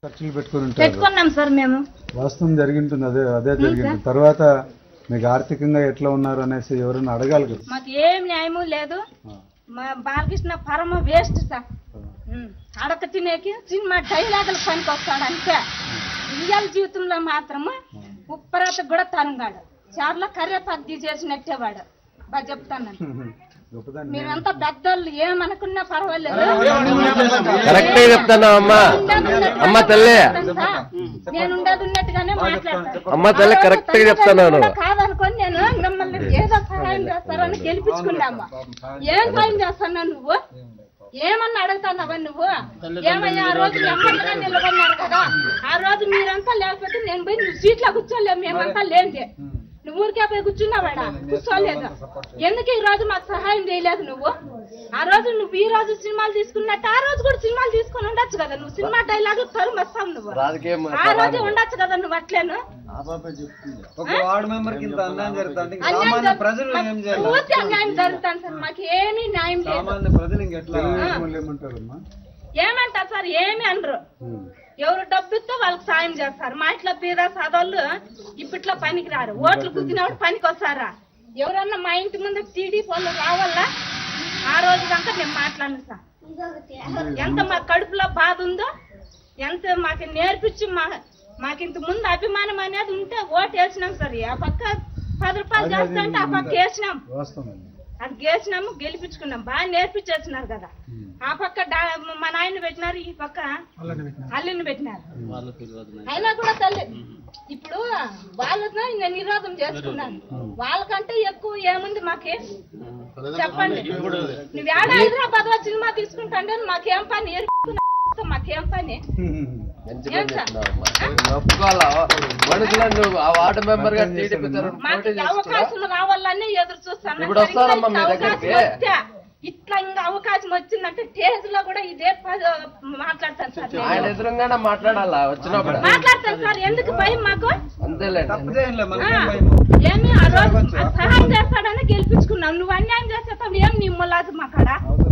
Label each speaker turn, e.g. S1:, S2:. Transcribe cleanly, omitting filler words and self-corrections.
S1: ఖర్చులు పెట్టుకుని
S2: పెట్టుకున్నాం సార్ మేము.
S1: వాస్తవం జరిగింటుంది, అదే జరిగింది. తర్వాత మీకు ఆర్థికంగా ఎట్లా ఉన్నారు అనేసి ఎవరైనా అడగాలి కదా.
S2: మాకు ఏం న్యాయము లేదు. మా బాలకృష్ణ పరమ వేస్ట్ సార్. అడక తినేకి సినిమా డైలాగులు పనికి వస్తాడు అంతే. రియల్ జీవితంలో మాత్రము ఉప్పరాత కూడా తనగాడు. చార్లో కర్రేపాకు తీసేసినట్టే వాడు. బాగా చెప్తాను, మీరంతా పెద్దోళ్ళు ఏమనుకున్నా పర్వాలేదు.
S3: కరెక్ట్ చెప్తాను అమ్మా. అమ్మ తల్లి,
S2: నేను ఉండేది ఉన్నట్టుగానే మాట్లాడతాను.
S3: అమ్మ తల్లి కరెక్ట్ గా చెప్తాను.
S2: కాదనుకొని నేను మిమ్మల్ని ఏదో సహాయం చేస్తారని గెలిపించుకున్నామ్మా. ఏం సాయం చేస్తాను నువ్వు? ఏమన్నా అడుగుతానవా నువ్వు? ఏమయ్యా ఆ రోజు ఎమ్మెల్యేగా నిలబడినారు కదా, ఆ రోజు మీరంతా లేకపోతే నేను పోయి నువ్వు సీట్లో కూర్చోలేము. మేమంతా లేండి, నువ్వు ఊరికే పోయి కూర్చున్నావాడా? కూర్చోలేదు. ఎందుకు ఈ రోజు మాకు సహాయం చేయలేదు నువ్వు? ఆ రోజు నువ్వు ఈ రోజు సినిమాలు తీసుకున్నట్టు ఆ రోజు కూడా సినిమాలు తీసుకుని ఉండొచ్చు కదా. నువ్వు సినిమా డైలాగ్ తరుము వస్తావు నువ్వు. ఆ రోజు ఉండొచ్చు కదా నువ్వు. అట్లేను పూర్తి అన్యాయం జరుగుతాను సార్. మాకు ఏమీ న్యాయం లేదు. ఏమంటారు సార్? ఏమి అనరు. ఎవరు డబ్బుతో వాళ్ళకి సాయం చేస్తారు. మా ఇంట్లో బీద సాదోళ్ళు ఇప్పట్లో పనికి రారు. ఓట్లు కుదినప్పుడు పనికి వస్తారా? ఎవరన్నా మా ఇంటి ముందు టీడీపీ వాళ్ళు రావాలా? ఆ రోజు దాకా నేను మాట్లాడను సార్. ఎంత మా కడుపులో బాధ ఉందో, ఎంత మాకు నేర్పించి మాకింత ముందు అభిమానం అనేది ఉంటే ఓటు వేసినాం సార్. ఆ పక్క 10 రూపాయలు చేస్తా అంటే ఆ పక్క వేసినాం. అది గేసినాము, గెలిపించుకున్నాం. బాగా నేర్పించేస్తున్నారు కదా. ఆ పక్క మా నాయన పెట్టినారు, ఈ పక్క అల్లిని పెట్టినారు. అయినా కూడా తల్లి ఇప్పుడు వాళ్ళతో నేను నిరోధం చేసుకున్నాను. వాళ్ళకంటే ఎక్కువ ఏముంది మాకే? చెప్పండి. నువ్వు ఏడ హైదరాబాద్ లో సినిమా తీసుకుంటాంటే మాకేం పని? మాకేం పని? అవకాశం రావాలని ఎదురు చూస్తాను. ఇట్లా ఇంకా అవకాశం వచ్చిందంటే స్టేజ్ లో కూడా ఇదే మాట్లాడతాను సార్.
S3: ఆయన ఎదురుగానే మాట్లాడాలా వచ్చినప్పుడు?
S2: మాట్లాడతాను సార్. ఎందుకు భయం మాకు?
S3: అంతేలేండి.
S2: ఏమి ఆ రోజు సహాయం చేస్తాడని గెలిపించుకున్నావు. నువ్వు అన్యాయం చేస్తావు. ఏం నీ ములాదు మా కాడ